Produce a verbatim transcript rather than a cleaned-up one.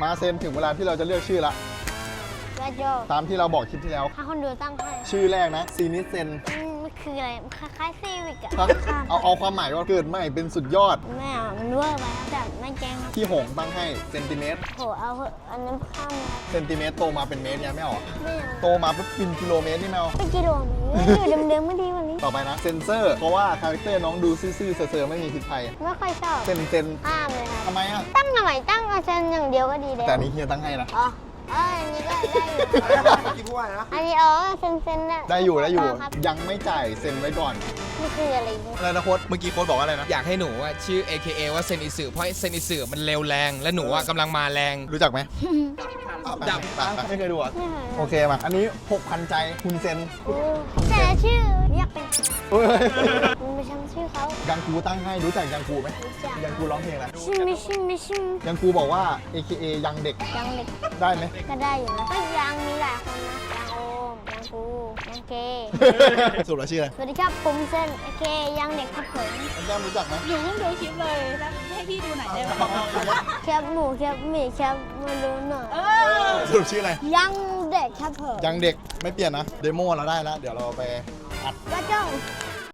มาเซนถึงเวลาที่เราจะเลือกชื่อละกระโจตามที่เราบอกคลิปที่แล้วถ้าคนดูตั้งให้ชื่อแรกนะซีนิเซนอืมมันคืออะไรมันคล้ายๆซีวิกอะเอาเอาความหมายว่าเกิดใหม่เป็นสุดยอดไม่เอามันเวอร์ไปครับแต่ไม่แกล้งครับพี่หงตั้งให้เซนติเมตรโหเอาเถอะอันนั้นข้ามนะเซนติเมตรโตมาเป็นเมตรยังไม่ออกไม่เอาโตมาปุ๊บเป็นกิโลเมตรนี่ไม่เอาไปกิโลเมตรอยู่เดิมๆไม่ดีกวันนี้ต่อไปนะเซนเซอร์เพราะว่าคาแรคเตอร์น้องดูซื่อๆเซอร์ๆไม่มีพิษภัยไม่ค่อยชอบเซนเซนห้ามเลยครับทำไมอ่ะตั้งหน่อยตั้งอาจารย์อย่างเดียวก็ดีแล้วแต่อันนี้เฮียตั้งให้นะอ๋อเอออันนี้ก็ได้อยู่คิดว่านะอันนี้อ๋อเซนเซนได้ได้อยู่ได้อยู่ครับยังไม่จ่ายเซ็นไว้ก่อนนี่คืออะไรเนี่ยอะไรนะโค้ดเมื่อกี้โค้ดบอกว่าอะไรนะอยากให้หนูว่าชื่อ เอ เค เอ ว่าเซนิสึเพราะเซนิสึมันเร็วแรง และหนูว่ากำลังมาแรงรู้จักไหมดับไปไปไม่เคยดูอ่ะไม่เคยโอเคมาอันนี้หกพันใจคุณเซนโอ้แต่ชื่อเรียกเป็นเฮ้ยมันไม่ใช่ชื่อเขายังกูตั้งให้รู้จักยังกูไหมรู้จักยังกูร้องเพลงอะไรชิมไม่ชิมไม่ชิมยังกูบอกว่า เอ เค เอ ยังเด็กยังเด็กได้ไหมก็ได้อยู่นะก็ยังมีหลายคนนะยังโอมยังกูยังเกสรุปแล้วชื่ออะไรสวัสดีครับผมเซนโอเคยังเด็กครับผมแก้มรู้จักไหมหนูเพิ่งดูคลิปเลยแล้วให้พี่ดูหน่อยได้ไหมแคบหมูแคบหมี่แคบมาดูหน่อยเออสรุปชื่ออะไรยังเด็กครับผมยังเด็กไม่เปลี่ยนนะ เดโมเราได้แล้ว เดี๋ยวเราไปอัดก็จ้อง